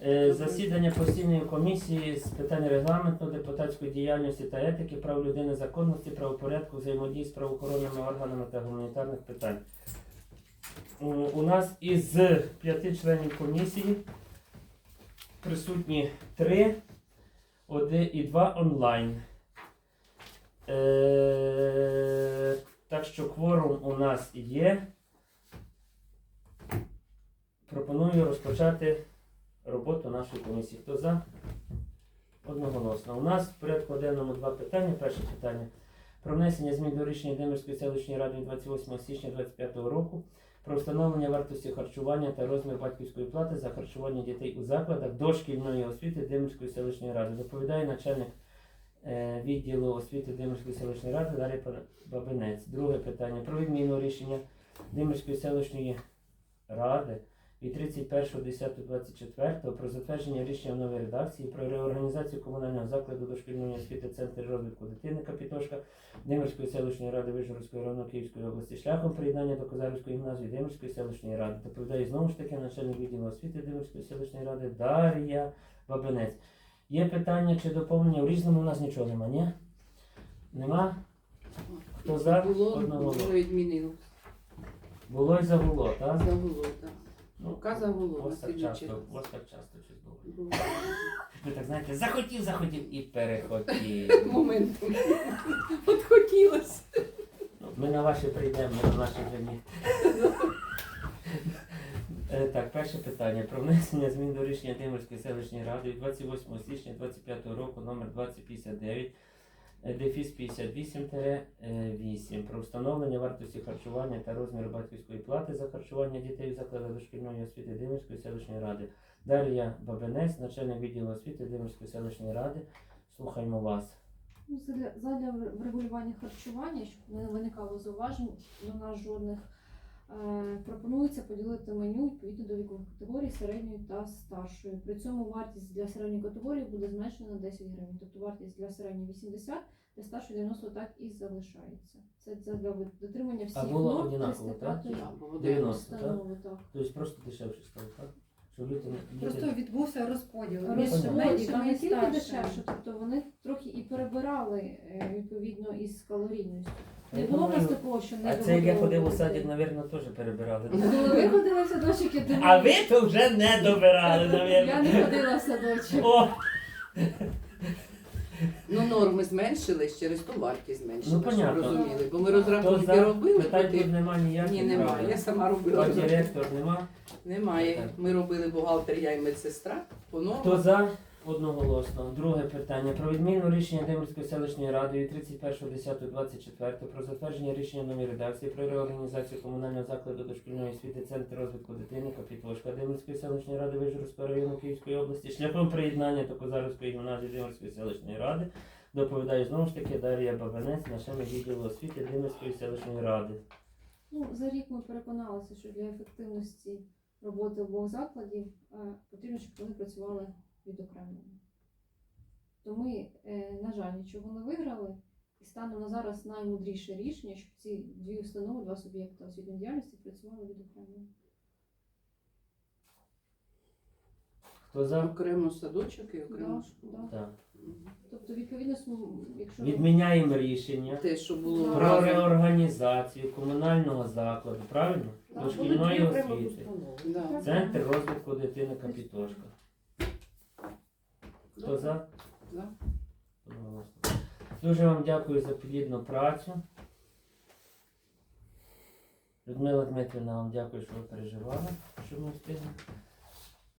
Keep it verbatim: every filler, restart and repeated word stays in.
Е, Засідання постійної комісії з питань регламенту, депутатської діяльності та етики, прав людини, законності, правопорядку, взаємодії з правоохоронними органами та гуманітарних питань. У у нас із п'яти членів комісії присутні три, один і два онлайн. Е, так що кворум у нас є. Пропоную розпочати роботу нашої комісії. Хто за? Одноголосно. У нас в порядку денному два питання. Перше питання про внесення змін до рішення Демирської селищної ради від двадцять восьмого січня двадцять п'ятого року про встановлення вартості харчування та розмір батьківської плати за харчування дітей у закладах дошкільної освіти Демирської селищної ради. Доповідає начальник е, відділу освіти Демирської селищної ради Дар'я Бабинець. Друге питання про відміну рішення Демирської селищної ради від тридцять першого десятого двадцять четвертого про затвердження рішення в новій редакції про реорганізацію комунального закладу дошкільної освіти Центр розвитку дитини Капітошка Демирської селищної ради Вишгородського району Київської області шляхом приєднання до Козарівської гімназії Демирської селищної ради. Доповідає знову ж таки начальник відділу освіти Демирської селищної ради Дар'я Бабинець. Є питання чи доповнення? В різному у нас нічого нема, ні? Нема? Хто за? Було, Одного. було відмінило. Було і загуло, так? Загуло, так. Ну, Рука загуло на ось так слідчий часто, раз. ось так часто щось було. Було. Ви так знаєте, захотів, захотів і перехотів. Моментом. От хотілося. Ну, ми на ваші прийдемо, ми на наші вже ні. Е, Так, перше питання. Про внесення змін до рішення Демирської селищної ради від двадцять восьмого січня двадцять п'ятого року номер двадцять п'ятдесят дев'ять, е, дефіс п'ятдесят вісім вісім про встановлення вартості харчування та розміру батьківської плати за харчування дітей у закладах дошкільної освіти Демирської селищної ради. Дар'я Бабинець, начальник відділу освіти Демирської селищної ради. Слухаємо вас. Ну, задля, задля врегулювання харчування, щоб не виникало зауважень до нас жодних, е, пропонується поділити меню відповідно до вікових категорій середньої та старшої. При цьому вартість для середньої категорії буде зменшена на десять гривень. Тобто вартість для середньої вісімдесят, для старшої дев'яносто так і залишається. Це для дотримання всіх А було норм однаково, так? триста п'ятої Так, було дев'яносто, так? установи. Так. Тобто просто дешевше стало, так? Щоб люди не- Просто діти- відбувся розподіл Ну, між понятно. Розподіл, меншими там не і тільки старшими. дешевше, тобто вони трохи і перебирали е, відповідно із калорійністю. Не Я було в нас думаю, такого, що не А це як я ходив у вигодовували садик, дітей. мабуть, теж перебирали. Коли ви ходили в садочок, я думаю, А ви то вже не добирали, я мабуть. не ходила в садочок. О! Ну, норми зменшились, через ту вартість зменшилась, Ну, щоб понятно. розуміли. Бо ми Хто розрахунки за? робили, Питань потім- тут нема ніяких. Ні, немає. правда? Я сама робила. А директор нема? Немає. Ми робили бухгалтер, я і медсестра. По Хто нормам. за? Одноголосно. Друге питання. Про відміну рішення Демирської селищної ради від тридцять першого десятого двадцять четвертого про затвердження рішення нової редакції про реорганізацію комунального закладу дошкільної освіти Центр розвитку дитини Капітошка Демирської селищної ради Вишгородського району Київської області шляхом приєднання до Козарівської гімназії Демирської селищної ради. Доповідає знову ж таки Дар'я Бабинець, начальник відділу освіти Демирської селищної ради. Ну, за рік ми переконалися, що для ефективності роботи обох закладів е, потрібно, щоб вони працювали відокремлено. То ми, е, на жаль, нічого не виграли. І станом на зараз наймудріше рішення, щоб ці дві установи, два суб'єкти освітньої діяльності працювали відокремлено. Хто за? Окремо садочок і окремо Да, школа. да. Так. Мгм. Тобто, відповідно, сум- якщо Відміняємо рішення Те, що було Про про разом. реорганізацію комунального закладу, правильно? Так, Дошкільної Були дві окремо освіти. установи. Да. Центр розвитку дитини Капітошка. Хто за? Да. Одноголосно. Дуже вам дякую за плідну працю. Людмила Дмитрівна, вам дякую, що ви переживали, що ми встигли.